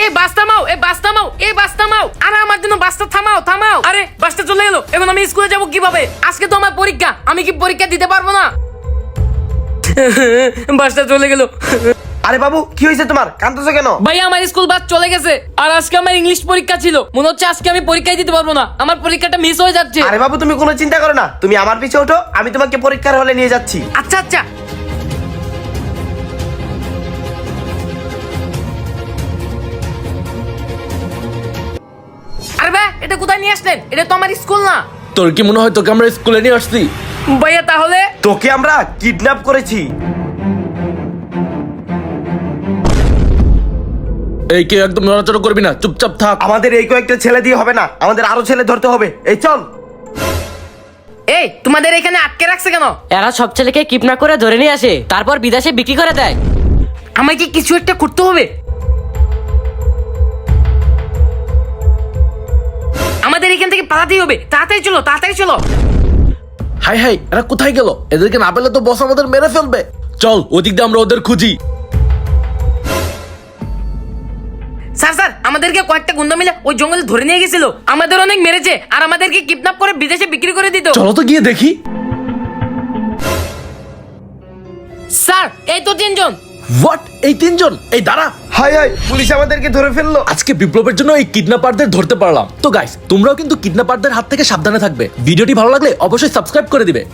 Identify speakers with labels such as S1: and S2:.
S1: এই বাস থামাও, এই বাস থামাও, এই বাস থামাও। আরে আমার জন্য বাসটা থামাও, থামাও। আরে বাসটা চলে গেল, এখন আমি স্কুলে যাব কিভাবে? আজকে তো আমার পরীক্ষা, আমি কি পরীক্ষা দিতে পারবো না? বাসটা চলে গেল।
S2: আরে বাবু, কি হয়েছে তোমার? কাঁদতেছো কেন?
S1: ভাই আমার স্কুল বাস চলে গেছে, আর আজকে আমার ইংলিশ পরীক্ষা ছিল। মনে হচ্ছে আজকে আমি পরীক্ষাই দিতে পারবো না, আমার পরীক্ষাটা মিস হয়ে যাচ্ছে।
S2: আরে বাবু, তুমি কোনো চিন্তা করো না, তুমি আমার পিছে ওঠো, আমি তোমাকে পরীক্ষার হলে নিয়ে যাচ্ছি।
S1: আচ্ছা আচ্ছা। আরে ভাই, এটা কোথায় নিয়ে আসলেন? এটা তো আমার স্কুল না।
S3: তোর কি মনে হয় তোকে আমরা স্কুলে নিয়ে আসছি?
S1: ভাইয়া তাহলে
S2: তোকে আমরা কিডন্যাপ করেছি।
S3: এই কেউ একদম নড়াচড়া করবি না, চুপচাপ থাক।
S2: আমাদের এই কয়েকটা ছেলে দিয়ে হবে না, আমাদের আরো ছেলে ধরতে হবে। এই চল।
S1: এই তোমাদের এখানে আটকে রাখছে কেন?
S4: এরা সব ছেলেকে কিডন্যাপ করে ধরে নিয়ে আসে, তারপর বিদেশে বিক্রি করে দেয়।
S1: আমাকে কিছু একটা করতে হবে। আমাদের এখান থেকে পালাতেই হবে, তাড়াতাড়ি চলো, তাড়াতাড়ি চলো।
S3: হাই হাই, এরা কোথায় গেল? এদেরকে না পেলে তো বস আমাদের মেরে ফেলবে। চল ওদিক দিয়ে আমরা ওদের খুঁজি।
S1: স্যার স্যার, আমাদেরকে কয়েকটা গুন্ডা মিলে ওই জঙ্গলে ধরে নিয়ে গেছিল, আমাদের অনেক মেরেছে আর আমাদেরকে কিডন্যাপ করে বিদেশে বিক্রি করে দিত।
S3: চলো তো গিয়ে দেখি।
S1: স্যার এই তো তিনজন।
S3: হোয়াট? এই তিনজন? এই দাঁড়া।
S2: হাই হাই, পুলিশ আমাদেরকে ধরে ফেললো।
S3: আজকে বিপ্লবের জন্য এই কিডন্যাপারদের ধরতে পারলাম। তো গাইস, তোমরাও কিন্তু কিডন্যাপারদের হাত থেকে সাবধানে থাকবে। ভিডিওটি ভালো লাগলে অবশ্যই সাবস্ক্রাইব করে দিবে।